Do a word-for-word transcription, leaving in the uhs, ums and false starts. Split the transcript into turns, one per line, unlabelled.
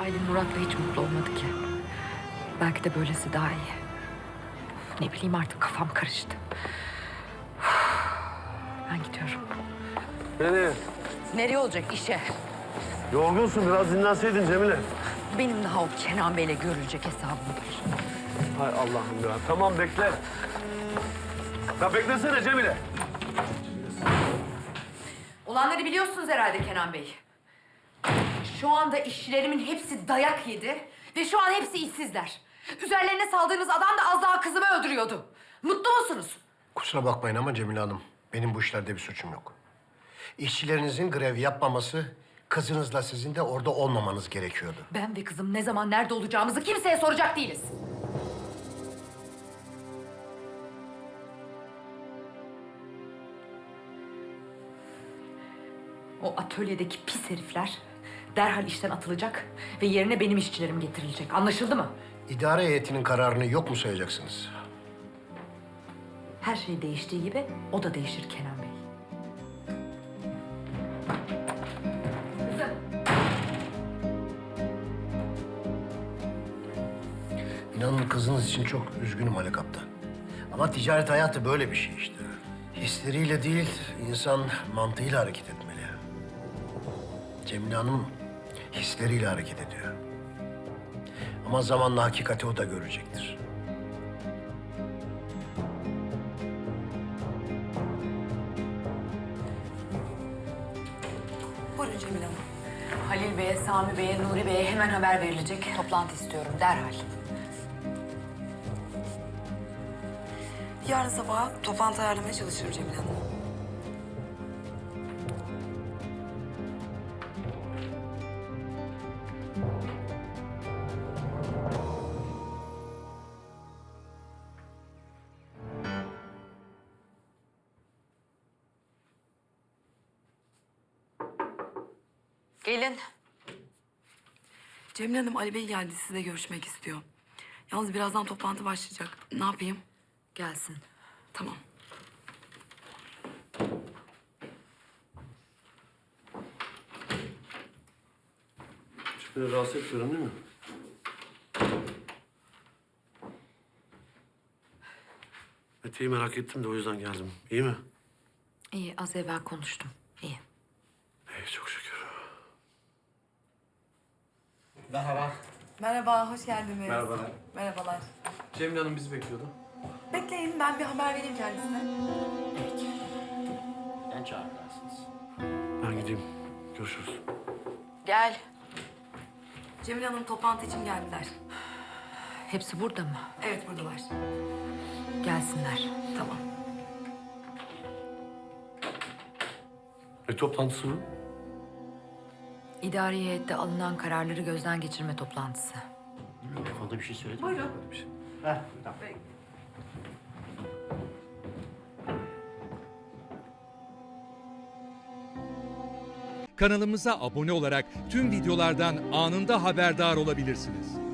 Halil Murat'la hiç mutlu olmadı ki. Belki de böylesi daha iyi. Ne bileyim artık kafam karıştı. Ben gidiyorum.
Nereye?
Nereye olacak işe?
Yorgunsun, biraz dinlenseydin Cemile.
Benim daha o Kenan Bey'le görülecek hesabım var.
Hay Allah'ım ya. Tamam bekle. Ya beklesene Cemile.
Olanları biliyorsunuz herhalde Kenan Bey. Şu anda işçilerimin hepsi dayak yedi ve şu an hepsi işsizler. Üzerlerine saldığınız adam da az daha kızımı öldürüyordu. Mutlu musunuz?
Kusura bakmayın ama Cemile Hanım, benim bu işlerde bir suçum yok. İşçilerinizin grev yapmaması, kızınızla sizin de orada olmamanız gerekiyordu.
Ben ve kızım ne zaman nerede olacağımızı kimseye soracak değiliz. O atölyedeki pis herifler derhal işten atılacak ve yerine benim işçilerim getirilecek. Anlaşıldı mı?
İdare heyetinin kararını yok mu sayacaksınız?
Her şey değiştiği gibi o da değişir Kenan Bey. Kızım.
İnanın kızınız için çok üzgünüm Ali Kaptan. Ama ticaret hayatı böyle bir şey işte. Hisleriyle değil, insan mantığıyla hareket etmeli. Cemile Hanım hisleriyle hareket ediyor. Ama zamanla hakikati o da görecektir.
Buyurun Cemile Hanım. Halil Bey'e, Sami Bey'e, Nuri Bey'e hemen haber verilecek. Toplantı istiyorum derhal.
Yarın sabah toplantı ayarlamaya çalışırım Cemile Hanım.
Gelin.
Cemile Hanım, Ali Bey geldi. Sizle görüşmek istiyor. Yalnız birazdan toplantı başlayacak. Ne yapayım?
Gelsin.
Tamam.
Hiçbiri rahatsız etmiyorum değil mi? Mete'yi merak ettim de o yüzden geldim. İyi mi?
İyi, az evvel konuştum. İyi.
İyi, çok şükür.
Merhaba.
Merhaba, hoş geldiniz.
Merhabalar.
Merhabalar.
Cemile Hanım bizi bekliyordu.
Bekleyin, ben bir haber vereyim kendisine.
Ben çağırırsınız.
Ben gideyim. Görüşürüz.
Gel.
Cemile Hanım toplantı için geldiler.
Hepsi burada mı?
Evet, buradalar.
Gelsinler.
Tamam.
Ne toplantısı bu?
İdari heyette alınan kararları gözden geçirme toplantısı.
Telefonda bir şey söyledin
Buyurun.
mi? Heh, tamam.
Kanalımıza abone olarak tüm videolardan anında haberdar olabilirsiniz.